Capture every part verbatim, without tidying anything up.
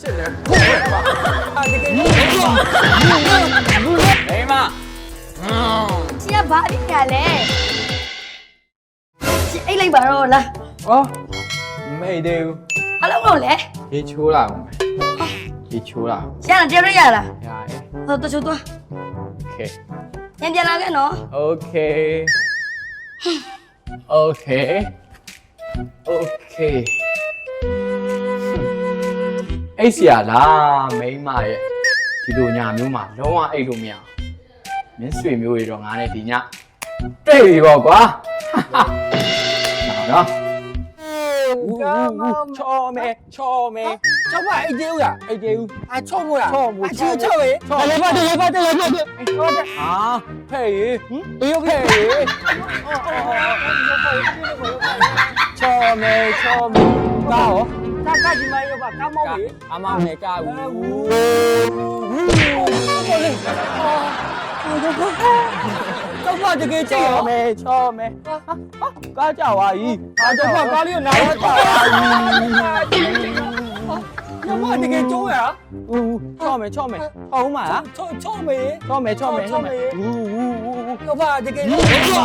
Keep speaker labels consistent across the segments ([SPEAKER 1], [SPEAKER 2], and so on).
[SPEAKER 1] ရှစ်လေထိုးရပါအာတကယ်မိမ
[SPEAKER 2] ရှင်ကဘာအဖြစ်ညာလဲရှင်အိတ်လိုက်ပါတော့လား
[SPEAKER 1] အော်မေးတယ်
[SPEAKER 2] ဘာလို့လို့လဲ
[SPEAKER 1] ရေချိုးလာအောင်ရေချိုးလာ
[SPEAKER 2] ရှင်ကတည်းကရလား
[SPEAKER 1] ရတယ်
[SPEAKER 2] ဟောတချို့သွား
[SPEAKER 1] โอเค
[SPEAKER 2] ပြန်ပြန်လာခဲ့နော်
[SPEAKER 1] โอเคโอเคโอเคအိတ်เสียလားမိမရဲ့ဒီလိုညာမျိုးမှာလုံးဝအိတ်လို့မရအောင်မင်းဆွေမျိုးတွေတော့ငါနဲ့ဒီညတိတ်ရောကွာနော်ချောမဲချောမဲကျောင်းမအိတ်သေးဦးလားအိတ်သေးဦးအာချောမို့လားချောမို့ချောချောပဲတယ်ပါတယ်ပါတယ်ပါတယ်ဟောတဲ့ဟာဖဲ့ရေဟင်တရုတ်ဖဲ့ရေချောမဲချောမဲကော ta cái gì mày đâu cá mông gì à mà mày cá u sao qua cho cái cho mày cho mày cá chảo à gì à cho qua cá liêu nào chảo à gì nhưng mà thì cái chú hả u cho mày cho mày không mà cho cho mày cho mày cho mày cho mày u u u qua cho cái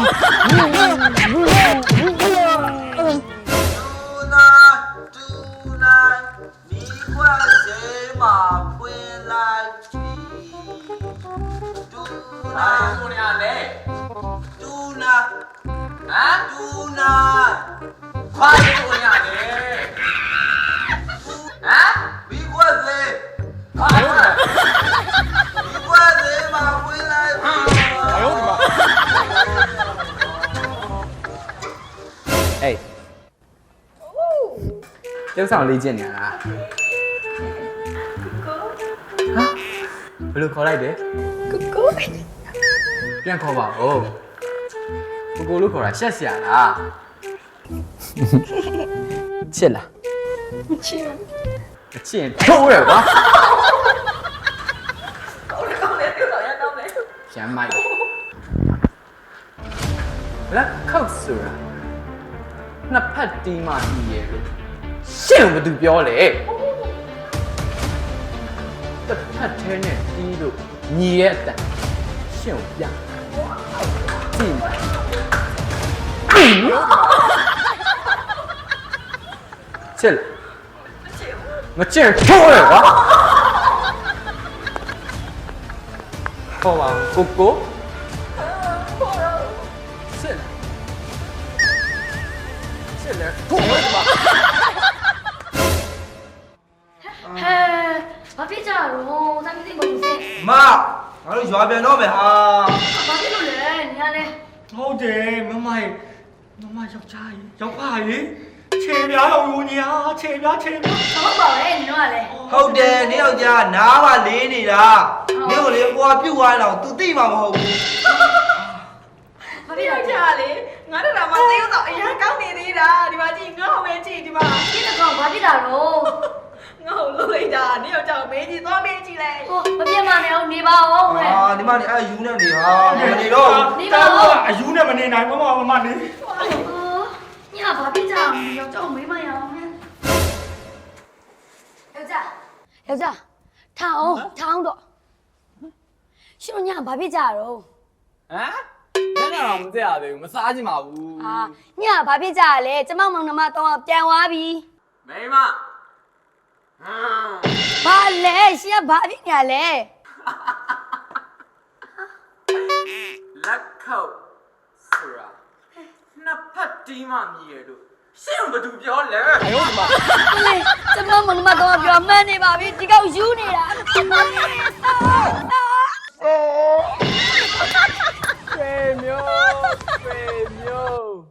[SPEAKER 3] Ai cô này ăn đấy? Tuna. Hả? Tuna. Khoai cô này ăn đấy. Hả? Bị quá gì? Khoai quá. Bị quá gì mà quên lại?
[SPEAKER 1] Ai ốm mà. Ê. Cháu sao ly chuyện này à? Hả? Bây giờ có lại đấy?
[SPEAKER 2] Cuckoo.
[SPEAKER 1] ပြန်ခေါ်ပါဦးကိုကိုလို့ခေါ်တာရှက်စရာလားချစ်လား
[SPEAKER 2] မချစ်
[SPEAKER 1] ဘူးအချစ်ထိုးရကွာ
[SPEAKER 3] ကောင်းတယ်ကောင်းတယ်ပြုတ်တော့ရတော့မယ်
[SPEAKER 1] ရမ်းမိုက်လက်ခောက်ဆိုတာနှစ်ဖက်တီးမှပြီးရဲ့လို့ရှင့်ကိုဘယ်သူပြောလဲတစ်ဖက်ထဲနဲ့တီးလို့ညီရဲ့အတန်ရှင့်ကိုပြကြည့်ချစ်မချစ်ထိုးရကွာဟောပါကိုကိုချစ်ချစ်လေထိုးရကွာ
[SPEAKER 2] ဟဲဘာဖြစ်ကြတော့သမီးသိမလို့စေ
[SPEAKER 3] မငါတို့ရွာပြန်တော့မယ်ဟာ
[SPEAKER 2] ဘာဖြစ်လို့လဲညာလဲ
[SPEAKER 3] ဟုတ်တယ်မမရေမမယောက်ျားရေယောက်ဖရေခြေများတော့ယူညာခြေများခြေများ
[SPEAKER 2] ဟုတ်ပါပဲနင်တို့ကလည်း
[SPEAKER 3] ဟုတ်တယ်နင်ယောက်ျားနားပါလေးနေတာနင်ကိုလေကိုကပြုတ်သွားတော့ तू သိမှာမဟုတ်ဘူး
[SPEAKER 2] ဘာဖြစ်လဲ
[SPEAKER 4] ကြာလေငါတို့တော့မသိတော့အရင်ကောင်းနေသေးတာဒီမှာကြည့်ငါ့ဟောပဲကြည့်ဒီမှာ
[SPEAKER 2] ဒီတော့ဘာဖြစ်တာတော့
[SPEAKER 4] ငါ့ဟောလို့လိုက်တာနင်ယောက်ျားမေးကြည့်သွားမေးကြည့်လိုက်
[SPEAKER 2] ဟိုမပြတ်မနေအောင်နေပါအောင်ဟဲ့
[SPEAKER 3] အာဒီမှာနေအဲယူနေနေဟာမနေတော့
[SPEAKER 2] နေပါအောင်
[SPEAKER 3] အယူနဲ့မနေနိုင်မမမမနေ
[SPEAKER 2] ညဘာဖြစ်ကြအောင်ယောက်ျားမေးမရအောင်ဟဲ့ယောက်ျားယောက်ျားထောင်းထောင်းတော့ရှင်တို့ညဘာဖြစ်ကြတော့
[SPEAKER 1] ဟမ်ညနေတော့မသိရသေးဘူးမစားချင်ပါဘူး
[SPEAKER 2] အာညဘာဖြစ်ကြလဲကျမမောင်နှမတော့ပြန်သွားပြီ
[SPEAKER 1] မိမဟမ်
[SPEAKER 2] ဘာလဲရှင်ကဘာဖြစ်ညာလဲ
[SPEAKER 1] လက်ခောက်ဆိုတာနှစ်ဖက်တီးမှမြည်ရလို့ရှင့်ဘယ်သူပြောလဲအယောဒီမှာ
[SPEAKER 2] လေကျမမောင်နှမတော့ပြောမှန်းနေပါပြီဒီကောက်ယူနေတာ